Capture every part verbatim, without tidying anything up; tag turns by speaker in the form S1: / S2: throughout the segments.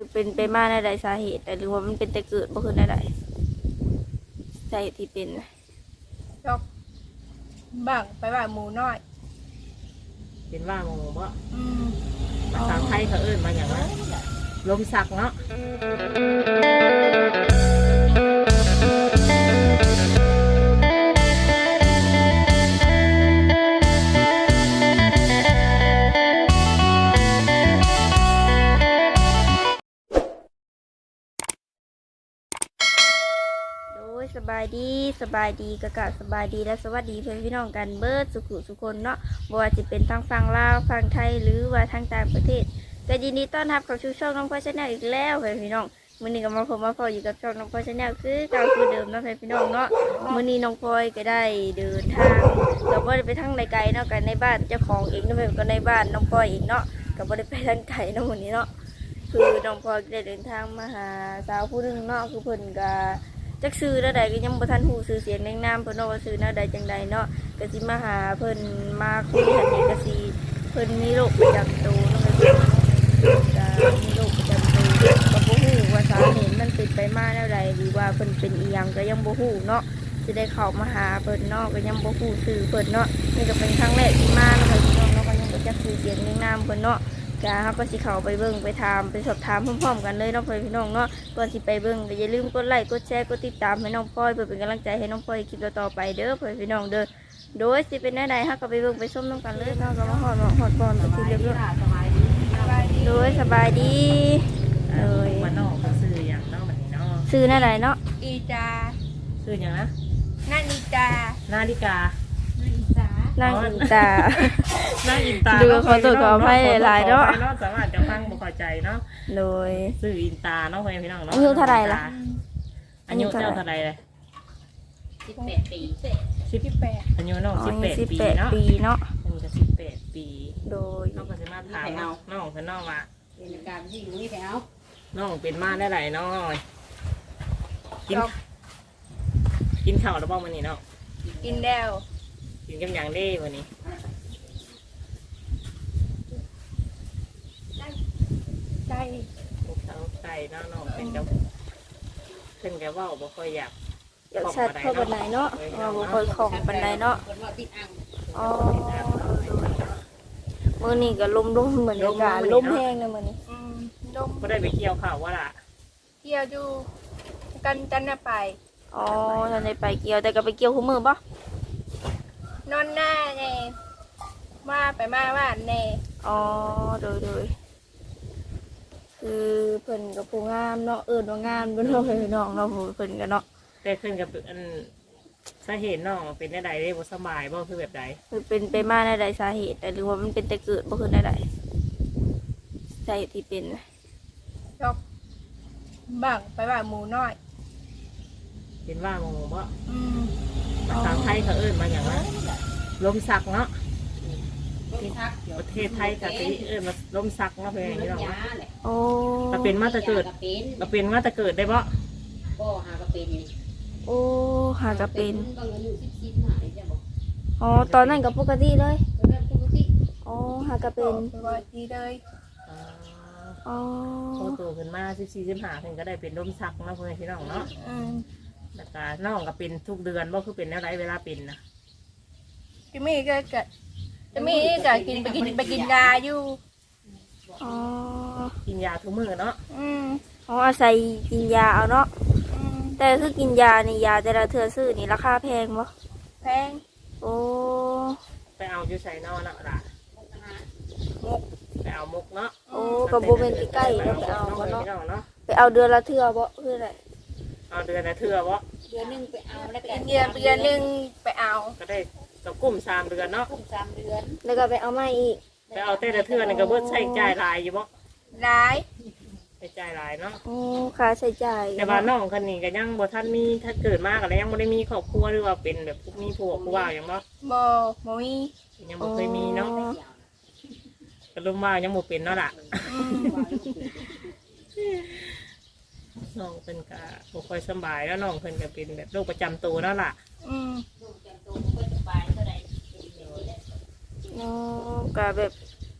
S1: เป็นไปมาในใดสาเหตุแต่หรือว่ามันเป็นแต่เกิดบ่คือในใดสาเหตุที่เป็น
S2: จอกบังไปว่าหมูน้อย
S3: เป็นว่าโมบ่
S2: อืม
S3: ภาษาไทยเขาเอิ้นมาอย่างว่าลมสักเนาะ
S1: สบายดีสบายดีกะกะสบายดีและสวัสดีเพื่อนพี่น้องกันเบิร์ดสุขุสุคนเนาะบ่ว่าจะเป็นทางฝั่งลาวฝั่งไทยหรือว่าทางต่างประเทศก็ยินดีต้อนรับเข้าสู่ช่องน้องพ่อชาแนลอีกแล้วเพื่อนพี่น้องมื้อนี้ก็มาพบมาพออยู่กับช่องน้องพ่อชาแนลคือเก่าคือเดิมเนาะเพื่อนพี่น้องเนาะมื้อนี้น้องพลอยก็ได้เดินทางก็บ่ได้ไปทางไกลๆเนาะกันในบ้านเจ้าของเองเนาะเพื่อนก็ในบ้านน้องพลอยเองเนาะก็บ่ได้ไปทางไกลเนาะมื้อนี้เนาะคือน้องพลอยได้เดินทางมาหาสาวผู้นึงเนาะคือเพิ่นก็จักซื้อแล้วใดก็ยังบ่ทันฮู้ชื่อเสียงแนะนำเพิ่นเนาะว่าซื้อแนวใดจังใดเนาะก็สิมาหาเพิ่นมาคุยกันนี่ก็สิเพิ่นมีโรคประจำตัวเนาะก็มีโรคประจำตัวก็บ่ฮู้ว่าสาเหตุมันเป็นไปมาแนวใดหรือว่าเพิ่นเป็นอีหยังก็ยังบ่ฮู้เนาะสิได้เข้ามาหาเพิ่นเนาะก็ยังบ่ฮู้ชื่อเพิ่นเนาะนี่ก็เป็นครั้งแรกที่มาเนาะพี่น้องเนาะก็ยังบ่จักชื่อเสียงแนะนำเพิ่นเนาะก็เฮาก็สิเข้าไปเบิ่งไปถามไปสอบถามพร้อมๆกันเลยเนาะพี่น้องเนาะก่อนสิไปเบิ่งก็อย่าลืมกดไลค์กดแชร์กดติดตามให้น้องพลอยเพื่อเป็นกำลังใจให้น้องพลอยคลิปต่อไปเด้อพี่น้องเด้อโดยสิเป็นแนวใดเฮาก็ไปเบิ่งไปชมนำกันเลยเนาะก็มาฮอดฮอดก่อนไปเรียบร้อยโดยสบายดีเอ้ย
S3: มันนอกเขาซื้ออย่างเนาะแบบนี้เนาะ
S1: ซื้อแนวใดเนาะ
S2: อีจา
S3: ซื้ออย่างนะ
S2: นาฬิกา
S3: นาฬิกา
S1: นั่งอินตา
S3: นั่งอินตา
S1: ดูขอตัวขออภัยหลายเนาะ
S3: สามารถจะฟังบ่เข้าใจเนาะ
S1: โดย
S3: ซื้ออินตาเนาะพี่น้องเนาะ
S1: อายุเท่าไหร่ล่ะ
S3: อายุเจ้าเท่าไหร่เลย
S2: สิบแปดปีสิบแปด
S3: อายุน้องสิบแปดปีเนาะ
S1: ปีเนาะ
S3: อันนี้ก็สิบแปดปี
S1: โดย
S3: น้องก็จะมาถามน้องคือน้องว่า
S2: เป็นการที่อยู่นี่แถว
S3: น้องเป็นมาได้ไหนน้องกินกินข้าวแล้วบ้างวันนี้เนาะ
S2: กินแล้ว
S3: กินกันอย่างได้วันนี้
S2: ไก่
S3: เขาไก่น้องน้องเป็นเจ้าเพิ่นแกว่าบ่ค่อยอยาก
S1: อยากชัดเข้าบันไดเนาะว่าบ่ค่อยของบันไดเนาะอ๋อมื้อนี้ก็ลมลมเหมือนกันลมแห้งเลยมื้อนี้
S2: อืมลม
S3: บ่ได้ไปเกี่ยวข้าวว่าล่ะ
S2: เกี่ยวอยู่กันจันทร์ไป
S1: อ๋อท่านได้ไปเกี่ยวแต่ก็ไปเกี่ยวคู่มือป่ะ
S2: นอนหน้าเน่มาไปมาว่าเน่
S1: อ๋อโดยโดยคือเพิ่นกับผู้งามเนาะเอิญว่างามเป็นน้องเป็นน้องเนาะเพิ่นกันเนาะ
S3: แต่เพิ่นกับอันสาเหตุน้องเป็นได้ใดได้บ่สบายบ่คือแบบใด
S1: คือเป็นไปมาในใดสาเหตุแต่หรือว่ามันเป็นแต่เกิดบ่คือในใดสาเหตุที่เป็น
S2: จอกบังไปว่าหมูน้อย
S3: เป็นว่าโมบ่
S2: อืม
S3: ภาษาไทยเขาเอิ้นมาอย่างว่าลมสักเนาะประเทศไทยกับที่เอิ้นมาลมสักเนาะเพื่อนพี่น้อง
S1: โอ้
S3: เราเป็นมาแต่เกิดเราเป็นมาแต่เกิดได้บ่
S4: ก็หากระเป็น
S1: โอ้หากระเป็นอ๋อตอนนั้นกับปกติเลยอ๋อหากระเป็น
S2: ปกติเลย
S1: อ๋อ
S3: โตโตขึ้นมาสิบสี่สิบห้าเพิ่นก็ได้เป็นลมสักเนาะเพื่อนพี่น้องเนาะแล้วก็น้องก็เป็นทุกเดือนบ่คือเป็นอะไรเวลาเป็นนะ
S2: จะมีก็เกิดจะมีก็กินไปกินไปกินยาอยู่
S1: อ๋อ
S3: กินยาทุกมื้อเนาะ
S2: อืม
S1: อ๋ออาศัยกินยาเอาเนาะแต่คือกินยานี่ยาแต่ละเทื่อซื้อนี่ราคาแพงบ่
S2: แพง
S1: โอ้
S3: ไปเอาอยู่ไสเนาะน่ะล่ะ
S2: มุก
S3: ไปเอามุกเนาะ
S1: โอ้กับบ่แม่นใกล้ๆเนาะไปเอาบ่เนาะไปเอาเดือนละเทื่อบ่คืออะไร
S3: เอาเดือนละเทื่อบ่
S4: เดือนนึงไปเอาแล้วก็
S2: เดือนเดือนนึงไปเอา
S3: ก็ได้ก็กุ้มสามเดือนเนาะ
S4: กุ้มสามเดือน
S1: แล้วก็ไปเอาใหม่อีก
S3: ไปเอาแต่ละเทื่อนี่ก็เบิดใช้จ่ายหลายอยู่บ่
S2: หลาย
S3: ใช้จ่ายหลายเนาะ
S1: โอ้ค่าใช้จ่าย
S3: แต่ว่าน้องคนนี้ก็ยังบ่ทันมีถ้าเกิดมาก็แล้วยังบ่ได้มีครอบครัวหรือว่าเป็นแบบมีผัวผู้บ่าวหยังบ่
S2: บ่บ่มี
S3: ยังบ่เคยมีเนาะก็รู้ว่ายังบ่เป็นเนาะล่ะน้องเพิ่นก็บ่ค่อยสบายแล้วน้องเพิ่นก็เป็นแบบโรคประจำตัวเนาะล่ะ
S2: อืม
S4: โรคประจำตัวบ่ค่อยสบายเท่าใด
S1: อ๋อก็แบบอ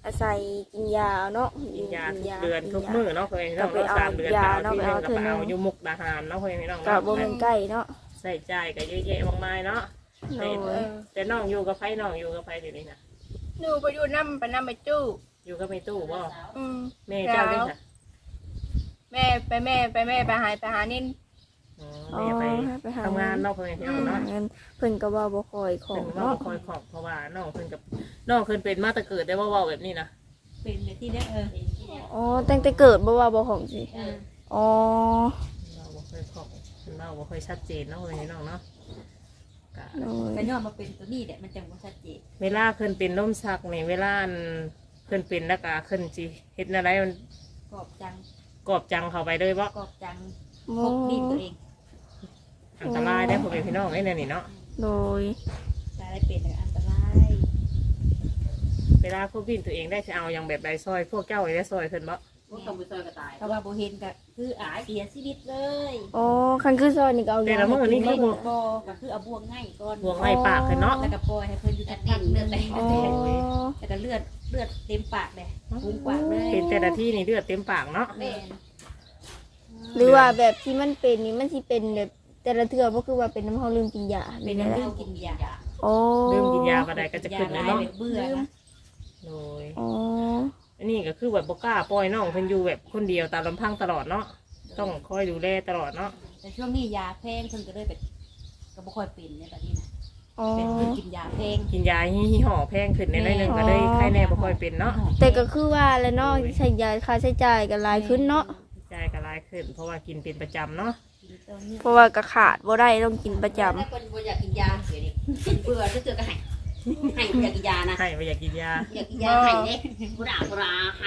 S1: อาศัยกินยาเนาะ
S3: กินยาทุกเดือนทุกมื้อเนาะเพื่อนพี่น้องเนาะสามเดือนก็เอาที่นึงก็ไปเอาอยู่มุกดาหารเนาะเพื่อนพี่น้อง
S1: ก็บ่แม่นใกล้เนาะ
S3: ใส่ใจก็เยอะแยะมากมายเนาะ
S1: โดย
S3: แต่น้องอยู่กับไผน้องอยู่กับไผเดี๋ยวนี้นะ
S2: หนูไปอยู่น้ำไปน้ำไปจู้
S3: อยู่กับแม่ตู้บ่
S2: อืม
S3: แม่เจ้าเด้อค่ะ
S2: แม่ไปแม่ไปแม่ไปหายไปหานิ่น
S3: อ๋อแม่ไปทำงานเนาะเพื่อนพี่น้องเนาะ
S1: เงินเพิ่นก็ว่าบ่ค่อยขอ
S3: เพิ่
S1: ง
S3: นว่า
S1: เนาะ
S3: บ่คอยขอบเพราะว่าน้องเพิ่นกับน้องเพิ่นเป็นมาแต่เกิดได้ว่าเว้าแบบนี้นะ
S4: เป็นแบบที่ได้เออ
S1: อ๋อตั้งแต่เกิดบ่ว่าบ่ของสิ
S4: เออ
S1: อ๋อ
S3: เราบ่ค่อยขอบเพิ่นเว้าบ่ค่อยชัดเจนเนาะเพื่อนพี่น้องเนาะก็
S1: โดย
S4: ก็ย้อนมาเป็นตัวนี้แหละมันจังบ่ชัดเจน
S3: เวลาเพิ่นเป็นลมชักนี่เวลาอันเพิ่นเป็นแล้วก็เพิ่นสิเฮ็ดอะไรมัน
S4: กรอบจัง
S3: กอบจังเข้าไปเลยบ่
S4: กรอบจังพ
S1: บ่
S4: กดินตัวเอง
S3: อันตรายได้อพ่อแม่พี่น้องไอ้เนี่ยนี่เนาะ
S1: โดย
S4: จะได้เป็นอันตราย
S3: เวลาพวกบินตัวเองได้จะเอาอย่างแบบใดซอยพวกเจ้าได้ซอยเพิ่นบ่
S4: พวกต้องไปซอยกระต่ายเพราะว่าบ่เห็นก็คืออายเสียชีวิตเลย
S1: อ๋อคันคือซอยนี่ก็เอา
S3: แต่ละมื้อนี่คือบ่
S4: บ่ก็คือเอาบ่วงง่ายก่อน
S3: ห่วงไอ้ปากเพิ่นเนาะ
S4: แล้วก็ปล่อยให้เพิ่นอยู่ทักพักเลือดไหล
S1: อ๋อ
S4: แล้วก็เลือดเลือดเต็มปากเลยปุ้งปากเลย
S3: เป็นแต่ละที่นี่เลือดเต็มปากเนาะ
S4: แม่น
S1: หรือว่าแบบที่มันเป็นนี่มันสิเป็นแบบแต่ละเทื่อบ่คือว่าเป็นน้ำเฮาลืมกินยา
S4: เป็น
S1: นั่นแหละ
S4: เรื่องกินยา
S1: อ๋อ
S3: ลืมกินยาบ่ได้ก็จะขึ้นเลยเนาะ
S4: เบื่อนะ
S3: โดย
S1: อ๋อ
S3: อันนี้ก็คือแบบบ่กล้าปล่อยน้องเพิ่นอยู่แบบคนเดียวตามลำพังตลอดเนาะต้องคอยดูแลตลอดเนาะ
S4: แต่ช่วงนี้ยาแพงเพิ่นก็เลยแบบก็บ่ค่อยเป็นเนี่ยแบบนี้นะ
S1: อ๋อ
S4: เป็นเพิ่นกินยาแพง
S3: กินยายี่ห้อแพงขึ้นในน้อยหนึงก็เลยไข้แน่บ่ค่อยเป็นเนาะ
S1: แต่ก็คือว่าแล้วเนาะใช้ยาค่าใช้จ่ายก็หลายขึ้นเนาะ
S3: ใจก็หลายขึ้น เพราะว่ากินเป็นประจำเนาะ
S4: กินตัวนี้
S1: เพราะว่าก็ขาดบ่ได้ต้องกินประจำ
S4: ถ้าคนบ่อยากกินยาเสียดิเบื่อจะเจอก็ให้ให้บ่อยากกินยานะ
S3: ให้บ่อยากกินยา
S4: อยากกินยาให้เด้ผู้ด่าผู้ราให้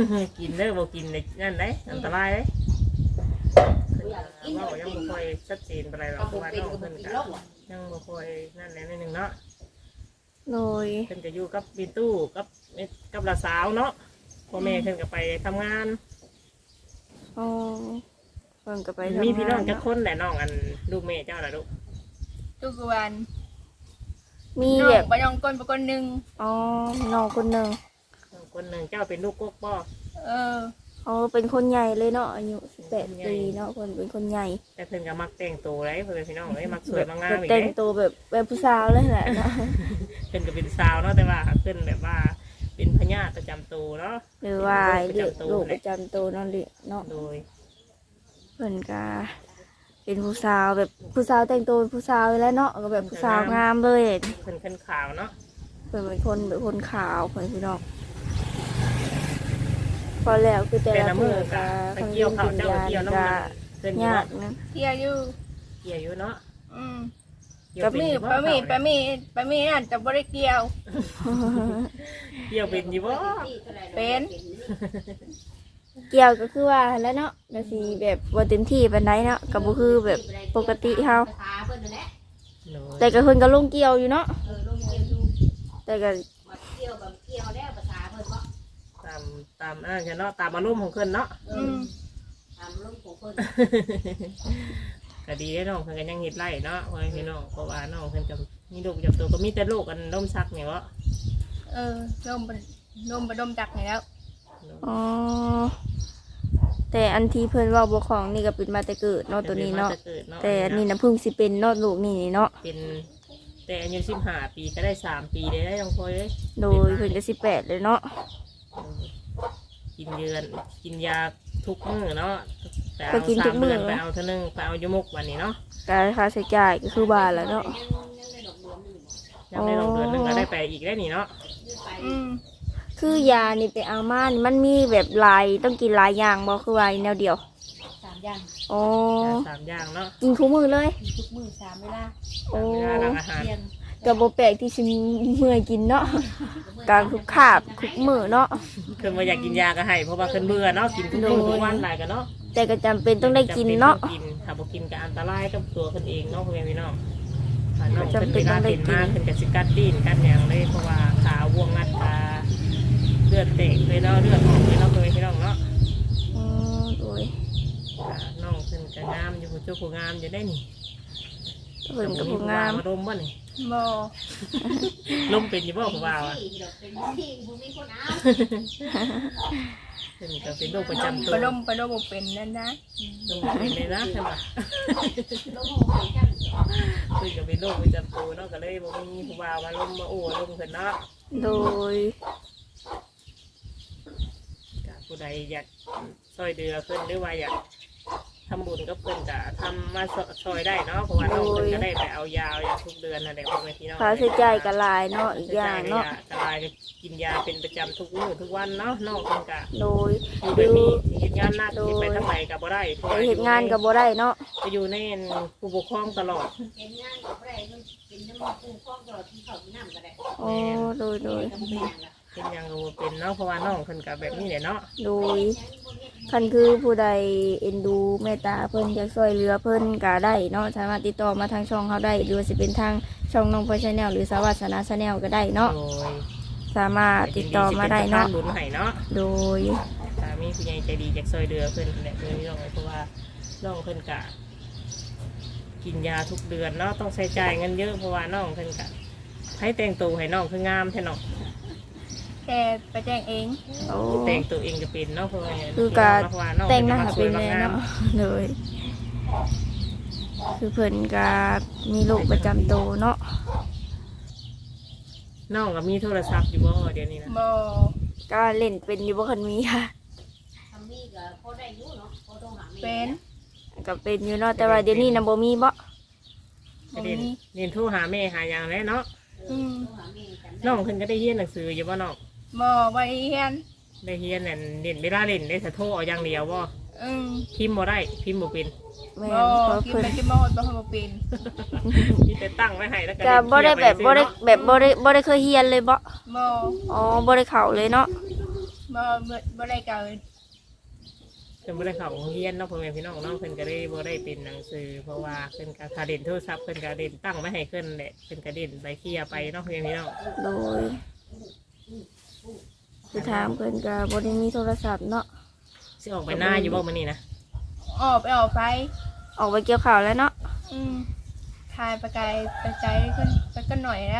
S3: กินเด้อบ่กินในนั่นเด้อันตรายเด้เว่ายังบ่ค่อยชัดเจนปานใดหรอก
S4: ก็
S3: เพ
S4: บ่
S3: ราะว่า
S4: เป็น
S3: น้อง
S4: ก็บ่
S3: เพิ่น
S4: กิน
S3: ก็
S4: โรค
S3: ยังบ่ค่อยนั่นแหละนิดนึงเนาะ
S1: โดย
S3: เพิ่นก็อยู่กับบินตู้กับกับหลานสาวเนาะพ่อแม่เพิ่นก็ไปทำงาน
S1: อ๋อเพิ่นก็ไปทำงาน
S3: มีพี่น้องจักคนแหละน้องอันลูกแม่เจ้าล่ะลูก
S2: ทุกวัน
S1: มี
S2: น้อ
S1: แบ
S2: ง
S1: บ
S2: ไปน้องก้นไปก้นหนึ่ง
S1: อ๋อน้องคนหนึง
S3: น้องคนหนึงเจ้าเป็นลูกกกบ่
S2: เออ
S1: อ๋อเป็นคนใหญ่เลยเนาะอายุสิบแปด
S3: คนใหญ่
S1: ปีเนาะเพิ่นเป็นคนใหญ่
S3: แต่เพิ่นก็มักแต่งตัวเลยเพิ่นพี่น้องเอ้ยมักสวยมักงาม
S1: แบบ
S3: อีก
S1: แต่ง
S3: เด้
S1: ตัวแบบแบบผู้สาวเลยแหละเนาะ
S3: เพิ่นก็เป็นสาวเนาะแต่ว่าเพิ่นแบบว่าเป็นพญาประจำตัวเนาะ
S1: หรือว่า
S3: เป็น
S1: เรียก
S3: โร
S1: ลู
S3: ค
S1: ก
S3: ป
S1: ประ ระ
S3: จำ
S1: จำตัวเนาะเรียกเนาะ
S3: โดย
S1: เพิ่นก็เป็นผู้สาวแบบผู้สาวแต่งตัวเป็นผู้สาวอยู่แล้วเนาะก็แบบผู้สาวงามเลย
S3: เพิ่นขึ้นขาวเนาะ
S1: เพิ่นเป็นคนแบบคนขาวเพิ่นพี่น้องพอแล้วคือแต่
S3: แต่
S1: ละ
S3: ละมื
S1: มื้
S3: อ
S1: อ
S3: ก็
S1: ก็
S3: ไปเกี่ยวข้าวเจ้าก็เกี่ยวน้ำมันเพิ่นอยู่
S1: ยาก
S3: เนาะ
S1: นะ
S2: เที่ยวอยู่
S3: เกี่ยวอยู่เนาะ
S2: อืม
S3: เกี่ยว
S2: ปะ
S3: เป็น
S2: มี
S3: อยู่บ่
S2: ปะมีปะมีปะมีนั่นจะบริเกี่ยว
S3: เกี่ยวเป็นอยู่บ่
S2: เป็น
S1: เกี่ยวก็คือว่าแล้วเนาะก็สิแบบบ่เต็มที่ปานใดเนาะก็บ่คือแบบปกติเฮา
S4: ภาษาเพิ่นนั่นแหละ
S3: โดย
S1: แต่ก็เพิ่นก็ลงเกี่ยวอยู่เนาะ
S4: เออลงเกี่ยวอยู่
S1: แต่ก็
S4: มาเกี่ยวกับเกี่ยวแล้วภาษาเพิ่นบ่
S3: ตามตามอันนั้นเนาะตามอารมณ์ของเพิ่นเนาะ
S4: เอ
S2: อื
S4: อ
S2: ม
S4: ตามลงของเพิ่น
S3: ก็ดีได้น้องเพิ่นก็ยังเฮ็ดไร่เนาะว่าพี่น้องเพราะว่าน้องเพิ่นก็มีลูกประจำตัวก็มีแต่ลูกอันล้มซักนี่วะ
S2: เออลมไปลมไปดมจักไหนแล้ว
S1: อ๋อแต่อันที่เพิ่นเว้าบ่ของนี่ก็เป็นมาแต่เกิดเนาะตัวนี้เนาะ
S3: แต่กิดเนาะ
S1: แต่อันนี้นะเพิ่งสิเป็นเนาะลูกนี่เนาะ
S3: เป็นแต่อายุสิบห้าปีก็ได้สามปีได้ได้น้องพลอยเลย
S1: โดยเพิ่นก็สิบแปดเลยเนาะ
S3: กินเยือนกินยาทุกมื้อเนาะแต่
S1: ไป
S3: เอา
S1: กิน
S3: สา
S1: ทุ
S3: ม
S1: กมื้
S3: เดื
S1: อ
S3: อนไปเอาเท่านึงไปเอายมุกวันนี้เนาะ
S1: การค่าใช้จ่ายก็คือบาทแล้วเนาะ
S3: ยังได้ลงเดือนหนึงก็ได้ไปอีกได้นี่เนาะ
S2: อืม
S1: คือยานี่ไปเอามานี่มันมีแบบหลายต้องกินหลายอย่างบ่คือว่าแนวเดียว
S4: สามอย่าง
S1: อ๋อ
S3: สามอย่างเนาะ
S1: กินคู่มือเลย
S4: กินทุกมื้อสามเวลา
S1: โอ้
S3: เวลาหลังอาหาร
S4: เที่ยง
S1: ก็บ่แปลกที่สิเมื่อยกินเนาะการคุกคาบคุกมือเนาะ
S3: คือมาอยากกินยาก็ให้เพราะว่าขึ้นเบื่อเนาะกินทุกมื้อทุกวันหลายกันเนาะ
S1: แต่ก็จำเป็นต้องได้กินเนาะ
S3: จำป็ต้องกินถ้าบ่กินก็อันตรายกับตัวคนเองเนาะพ่อแม่พี่น้องถ้าน้องเป็นเวลาเป็นมากเป็นกสิกัดดินกัดหยังเลยเพราะว่าขาววงงัดตาเลือดเตะเลยเนาะเลือดออกเลยเนาะพ่อแม่พี่น้องเนาะ
S1: อ๋อโดย
S3: อ่าน้องเพิ่นก็งามอยู่ผู้เจ้าผู้งามอยู่ได้นี่
S1: เพิ่นกับผู้งาม
S3: มาดมบ่นี่
S2: บ่
S3: ลมเป็นอยู่บ่ผู้บ่าวอ่ะ
S4: เป็นที่บุมีคนเอา
S3: เพิ่นก็เป็นโรคประจำตัว
S2: ไปลมไปลมบ่เป็นนั่นนะ
S3: ลมเป็นเลยนะใช่ปะ
S4: ลงหัวแค่
S3: เพิ่นก็เป็นโรคประจำตัวเนาะก็เลยบ่มีผู้บ่าวมาลมมาโอ้ลมเพิ่นเนาะ
S1: โดย
S3: ก็ผู้ใดอยากช่วยเหลือเพิ่นหรือว่าอยากทำบุญกับเพิ่นก็ทำมาช่วยได้เนาะเพราะว่าน้องเพิ่นก็ได้ไปเอายาเอายาทุกเดือนนั่นแหละพ่อแม่พี่น้อง
S1: ค่าใช้จ่ายก็หลายเนาะอีกอย่างเนาะ
S3: กลายกินยาเป็นประจำทุกมื้อทุกวันเนาะน้องเพิ่นก็
S1: โดย
S3: อยู่
S1: ดู
S3: แบบนี้เฮ็ดงานหนักสิไปทางไหนก็บ่ได้เพราะ
S1: ไป
S3: ว่า
S1: เฮ็ดงานก็บ่ได้เนาะ
S3: ไปอยู่ในผู้ปกครองตลอด
S4: เป็นงานกับอะไรเป็นน้ำมันปูฟองตลอดที่เขาที่น้ำก็ได้
S1: โอ้โดยโดย
S4: ก็ไม่เป็นละ
S3: เป็นหยังก็บ่เป็นเนาะเพราะว่าน้องเพิ่นก็แบบนี้แหละเนาะ
S1: โดยคันคือผู้ใดเอ็นดูเมตตาเพิ่นอยากช่วยเหลือเพิ่นก็ได้เนาะสามารถติดต่อมาทางช่องเขาได้หรือว่าสิเป็นทางช่องน้องพลอยชาแนลหรือสวัสดิ์สนาชาแนลก็ได้เนาะ
S3: โดย
S1: สามารถติดต่อมาได้เนาะ
S3: ยินดีสิเป็นสะพบุญให้เนาะ
S1: โดย
S3: ถ้ามีผู้ใหญ่ใจดีอยากช่วยเหลือเพิ่นแหละเพิ่นน้องเพราะว่าน้องเพิ่นก็กินยาทุกเดือนเนาะต้องใช้จ่ายเงินเยอะเพราะว่าน้องเพิ่นก็ให้แต่งตัวให้น้องคืองามแท้เนาะ
S2: แต่ไปแจ้งเอง
S1: โอ้
S3: แต่งตัวเองก็เป็นเนาะเพราะว่า
S1: คือการ
S3: เพราะว่าน้อง
S1: แต่งหน้า
S3: พิ่
S1: เป็น
S3: ก็
S1: แม่
S3: มาสวยม
S1: เนาะเลยคือเพิ่นก็มีโรคประจำตัวเนาะ
S3: น้องก็มีโทรศัพท์อยู่บ่เดี๋ยวนี้นะ
S2: บ่
S1: ก็เล่นเป็นอยู่บ่คันมีค่ะ
S4: ทำนี่ก็พอได้ยุ่เนาะพอต้องหา
S2: เป็น
S1: ก็เป็นอยู่เนาะแต่ว่าเดี๋ยวนี้น่ะบ่มีบ่
S2: บ่
S3: เรียน
S2: มี
S3: เรียนโทรหาแม่หาหยังแล้วเนาะ
S2: อืม
S4: ต้องหาเมย์จำได้
S3: น้องเพิ่นก็ได้เรียนหนังสืออยู่บ่น้อง
S2: บ่บ่ได้เรียน
S3: ได้เรียนนั่นเรียนเวลาเล่นได้แต่โทรเอาอย่างเดียวบ่
S2: อืม
S3: พิมพ์บ่ได้พิมพ์บ่เป็น
S1: แม่
S2: บ่
S1: นเพราะ
S2: กิน
S1: เพิ่น
S2: ไปกินบ่ฮอดบ่ฮอดบ่เป็น
S3: มีแต่ตั้งไว้ให้แล้วก็
S1: ก็บ่ได้แบบบ่ได้แบบบ่ได้บ่ได้เคยเรียนเลยบ่
S2: บ่
S1: อ๋อบ่ได้เข้าเลยเนาะ
S2: บ่บ่บ่ได้เก่า
S3: เพิ่นบ่ได้เข้าโรงเรียนเนาะพ่อแม่พี่น้องเนาะเพิ่นก็ได้บ่ได้เป็นหนังสือเพราะว่าเพิ่นก็ถ้าเล่นโทรศัพท์เพิ่นก็เล่นตั้งไว้ให้เพิ่นแหละเพิ่นก็เล่นไปเคลียร์ไปเนาะพ่อแม่พี่น้อง
S1: โดยคือถามเพิ่นก็บ่ได้มีโทรศัพท์เนาะ
S3: สิออกไปหน้าอยู่บ่มื้อนี้นะ
S2: ออกไปออกไป
S1: ออกไปเกี่ยวข้าวแล้วเนาะ
S2: อืมทายไปไกลไปไกลขึ้นไปก็หน่อยแล้ว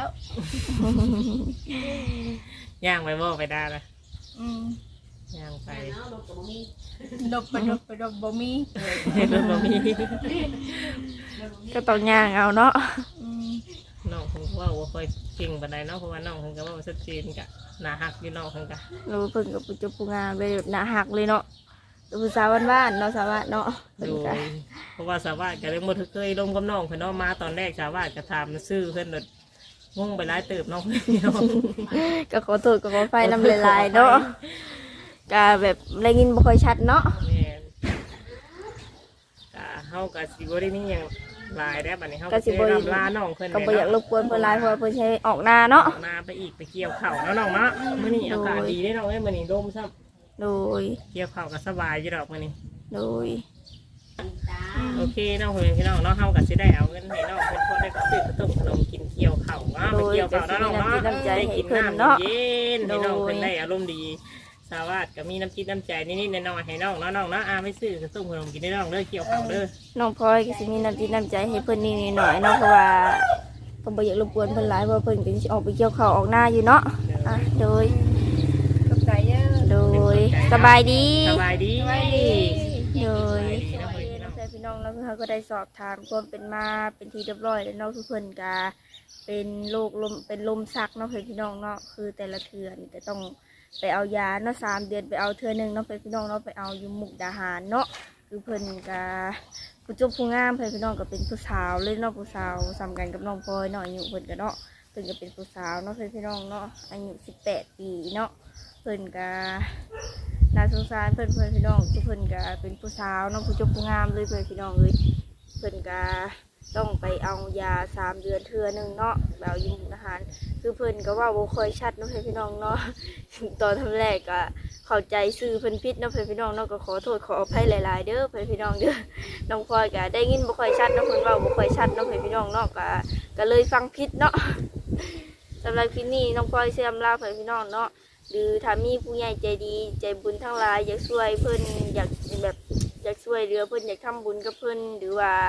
S3: ย่างไปบ่ไปได้ละ
S2: อืม
S3: ย่างไป
S4: เนาะรถกับมี
S2: ดบไปดบไปดบบ่มี
S3: เฮ็ดรถบ่มี
S1: ก็ต้องย่างเอาเนาะ
S2: อืม
S3: น้องเพิ่นก็เว้าบ่ค่อยเก่งปานใดเนาะเพราะว่าน้องเพิ่นก็เว้าชัดเจนก็น่าฮักอยู่น้องเพิ่นก็
S1: รู้เพิ่นกับปุจจุปูงานไปแบบหน้าหักเลยเนาะเป็นผู้สาวบ้านๆเนาะสาวบ้านเนาะเพิ่น
S3: โด
S1: ก็
S3: ยเพราะว่าสาวบ้านก็เลยบ่เคยลมกับน้องเพิ่นเนาะมาตอนแรกสาวบ้านก็ถามชื่อเพิ่นโดดงงไปหลายเติบน้องเพิ่นพี่น้อง
S1: ก็ขอโทษก็ขอไฟน้ำลายๆเนาะก็แบบได้ยินบ่ค่อยชัดเนาะ
S3: แม่นก็เฮาก็สิบ่ได้มีหยังหลายแล้วบัดนี้เฮาก็สิได้รำลาน้องเพิ่น
S1: ก็บ่อยากรบกวนเพิ่นหลายเพราะว่าเพิ่นใช้ออกหน้าเนาะ
S3: นาไปอีกไปเกี่ยวข้าวเนาะน้องเนาะมื้อนี้อากาศดีเด้น้องเอ้ยมื้อนี้ลมซ้ำ
S1: โดย
S3: เกี่ยวข้าวก็สบายอยู่ดอกมื้อนี้
S1: โดย
S4: ตา
S3: โอเคน้องเพิ่นพี่น้องเนาะเฮาก็สิได้เอาเงินให้น้องเพิ่นพอได้ซื้อขนมขนมกินเกี่ยวข้าวเนาะไปเกี่ยวข้าวเนาะน้องเนาะ
S1: โดยก็สิมีน้ำใจให้
S3: กิน
S1: เพิ่น
S3: น้ำ
S1: เนาะ
S3: เย็นให้น้อง
S1: โดย
S3: เพิ่นได้อารมณ์ดีสาวัสดก็มีน้ำจิตน้ำใจนิดๆน้อยๆให้น้องเนาะน้องเนาะอาไม่ซื้อขนมขนมกินได้น้องเด้อเกี่ยวข้าวเด้อ
S1: น้องพลอยก็สิมีน้ำจิตน้ำใจให้เพิ่นนิดหน่อยๆเนาะเพราะว่าก็บ่อยากรบกวนเพิ่นหลายเพราะว่าเพิ่นก็สิออกไปเกี่ยวข้าวออกหน้าอยู่เนาะอ่ะโดย
S2: กับใจเยอะ
S1: โดยสบายดี
S3: สบายดี
S2: สบายดี
S1: โดย
S3: สบายดี
S1: น้
S3: เนาะ
S1: องพี่น้องแล้วเขาก็ได้สอบถามความเป็นมาเป็นที่เรียบร้อยแล้วเนาะทุกคนกาเป็นโรคลมเป็นลมชักเนาะเพื่อนพี่น้องเนาะคือแต่ละเทือนแต่ต้องไปเอายาเนาะสามเดือนไปเอาเทือหนึ่งเนาะเพื่อนพี่น้องเนาะไปเอาอยู่มุกดาหารเนาะคือเพิ่นกาผู้จบผู้งามเพื่อนพี่น้องก็เป็นผู้สาวเลยเนาะผู้สาวสำคัญกับน้องพลอยเนาะอายุเพิ่นก็เนาะเพิ่นก็เป็นผู้สาวเนาะเพื่อนพี่น้องเนาะอายุสิบแปดปีเนาะเพิ่นกา น่าสงสารเพื่อนเพื่อนพี่น้องทุกเพื่อนก็เป็นผู้สาวน้องผู้จบผู้งามเลยเพื่อนพี่น้องเลยเพื่อนก็ต้องไปเอายาสามเดือนเทื่อหนึ่งเนาะแบบยิมอาหารคือเพื่อนก็ว่าโบเคยชัดเน้องเพื่อนพี่น้องเนาะ ตอนทำแรกก็เข้าใจซื้อเพื่อนพิษเน้องเพื่อนพี่น้องเนาะก็ขอโทษขออภัยหลายๆเด้อเพื่อนพี่น้องเด้อ น้องพลอยก็ได้ยินบ่ค่อยชัดเน้องเพื่อนว่าบ่ค่อยชัดเน้องเพื่อนพี่น้องเนาะก็ก็เลยฟังพิษเนาะ สำหรับคลิปนี้น้องพลอยเสื่อมลาเพื่อนพี่น้องเนาะ หรือถ้ามีผู้ใหญ่ใจดีใจบุญทั้งหลายอยากช่วยเพิ่นอยากแบบอยากช่วยเหลือเพิ่นอยากทำบุญกับเพิ่นหรือว่า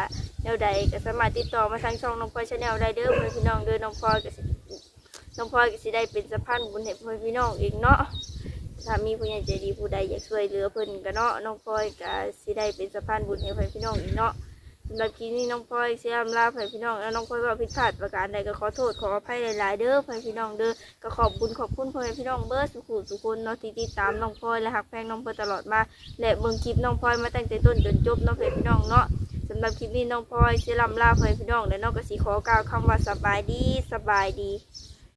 S1: แนวใดก็สามารถติดต่อมาทางช่องน้องพลอยชาแนลได้เด้อเพื่อนพี่น้องเด้อน้องพลอยก็สิน้องพลอยก็สิได้เป็นสะพานบุญให้เพื่อนพี่น้องเองเนาะถ้ามีผู้ใหญ่ใจดีผู้ใดอยากช่วยเหลือเพิ่นก็เนาะน้องพลอยก็สิได้เป็นสะพานบุญให้เพื่อนพี่น้องอีกเนาะสำหรับคลิปนี้น้องพลอยเสียมลาเพื่อนพี่น้องแล้วน้องพลอยว่าผิดพลาดประการใดก็ขอโทษขออภัยหลายๆเด้อเพื่อนพี่น้องเด้อก็ขอบคุณขอบคุณเพื่อนพี่น้องเบิร์ดสุขุสุคนเนาะที่ติดตามน้องพลอยและหักแพงน้องพลอยตลอดมาและเบิ่งคลิปน้องพลอยมาตั้งแต่ต้นจนจบเนาะเพื่อนพี่น้องเนาะสำหรับคลิปนี้น้องพลอยเสียลำลาเพื่อนพี่น้องและน้องก็สิขอกล่าวคำว่าสบายดีสบายดี